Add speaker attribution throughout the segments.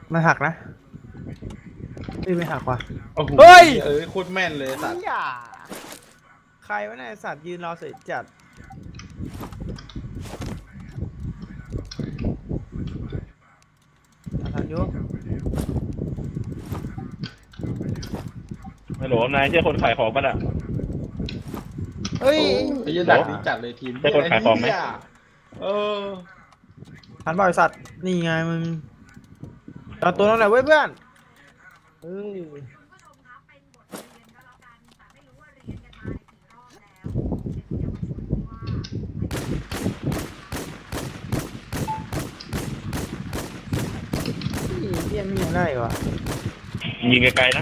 Speaker 1: มันหักนะไม่หักว่ะ
Speaker 2: โอ้โห
Speaker 1: เฮ้ย
Speaker 2: โคตรแม่นเลยสัตว์
Speaker 1: อย่าใครวะเนี่ยไอ้สัตว์ยืนรอเสร็จจัดทันยุ
Speaker 3: ฮัลโหลนายใช่คนขายของป่ะน่ะ
Speaker 1: เฮ้ย
Speaker 2: ไอ้ยันดักนี้จัดเลยทีม
Speaker 3: ใช่คนขายของไหม
Speaker 2: เหี้เออ
Speaker 1: ทันบ่อยสัตว์นี่ไงมึงเอาตัวนั้นแหละเว้ยเพื่อนเฮ้ยเฮียไม่ยังได้วะ
Speaker 3: ยิงไกลๆนะ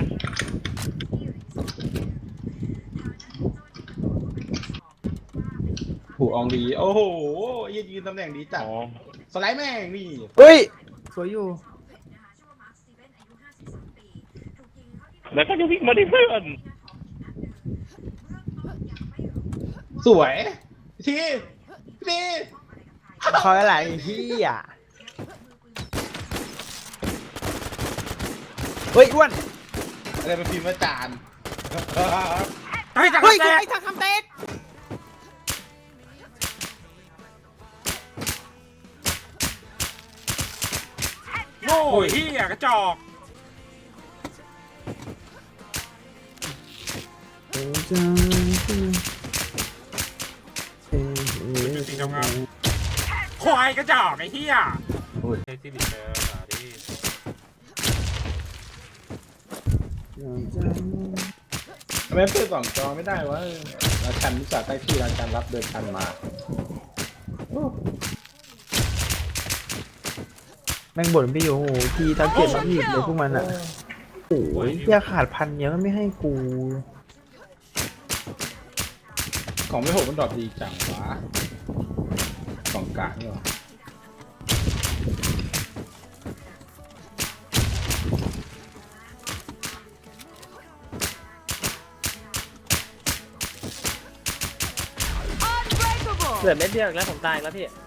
Speaker 2: ผูอองดี โอ้โหไอ้ยันยืนตำแหน่งดีจัด
Speaker 3: อ๋อ
Speaker 2: สไลด์แม่งนี่
Speaker 1: เฮ้ยสวยอยู่
Speaker 3: แล้วก็จะวิ่งมาดิเพื่อน
Speaker 2: สวยทีที
Speaker 1: เขาอะไรไอ้เฮียเฮ้ยอ้วน
Speaker 2: อะไรเป็นพิมพ์อาจารย์
Speaker 1: เฮ้ยเฮ้ยไอ้ทางทำเต็ก
Speaker 4: โง่เฮียกระจอก จริงทำงานควายกระจอกไอ้เฮียไอ้ที่ดิเจอหาดิ
Speaker 2: ทำไมเพื่อนสองจอไม่ได้วะราชันวิสาใต้ที่ราชันรับเดินชันมา
Speaker 1: แม่งบ่นพี่อยู่โอ้โหทีทักเก็ตมาผิดเลยพวกมันอ่ะโอ้ยเฮียขาดพันเยอะไม่ให้กู
Speaker 2: ของไม่หกมันดรอปดีจังวะของกลางนี่หรอ
Speaker 5: เหลือเม็ดเดียวอีกแล้วผมตายอีกแล้วพี่